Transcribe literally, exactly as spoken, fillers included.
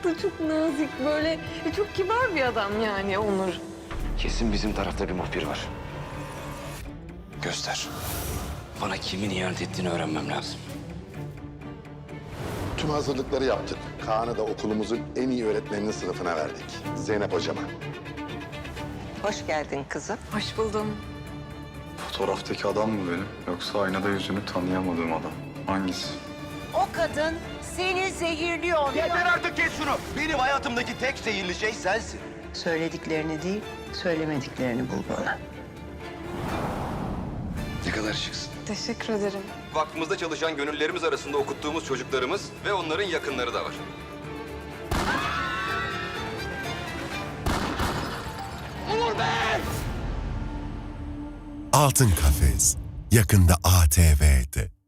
tatlı, çok nazik böyle. E, çok kibar bir adam yani Onur. Kesin bizim tarafta bir muhbir var. Göster. Bana kimin ihanet ettiğini öğrenmem lazım. Tüm hazırlıkları yaptık. Kaan'ı da okulumuzun en iyi öğretmeninin sınıfına verdik. Zeynep hocama. Hoş geldin kızım. Hoş buldum. Fotoğraftaki adam mı benim? Yoksa aynada yüzünü tanıyamadığım adam. Hangisi? O kadın seni zehirliyor. Yeter artık, kes şunu. Benim hayatımdaki tek zehirli şey sensin. Söylediklerini değil, söylemediklerini bul bana. Ne kadar şıksın. Teşekkür ederim. Vakfımızda çalışan gönüllerimiz arasında okuttuğumuz çocuklarımız ve onların yakınları da var. Altın Kafes yakında A T V'de.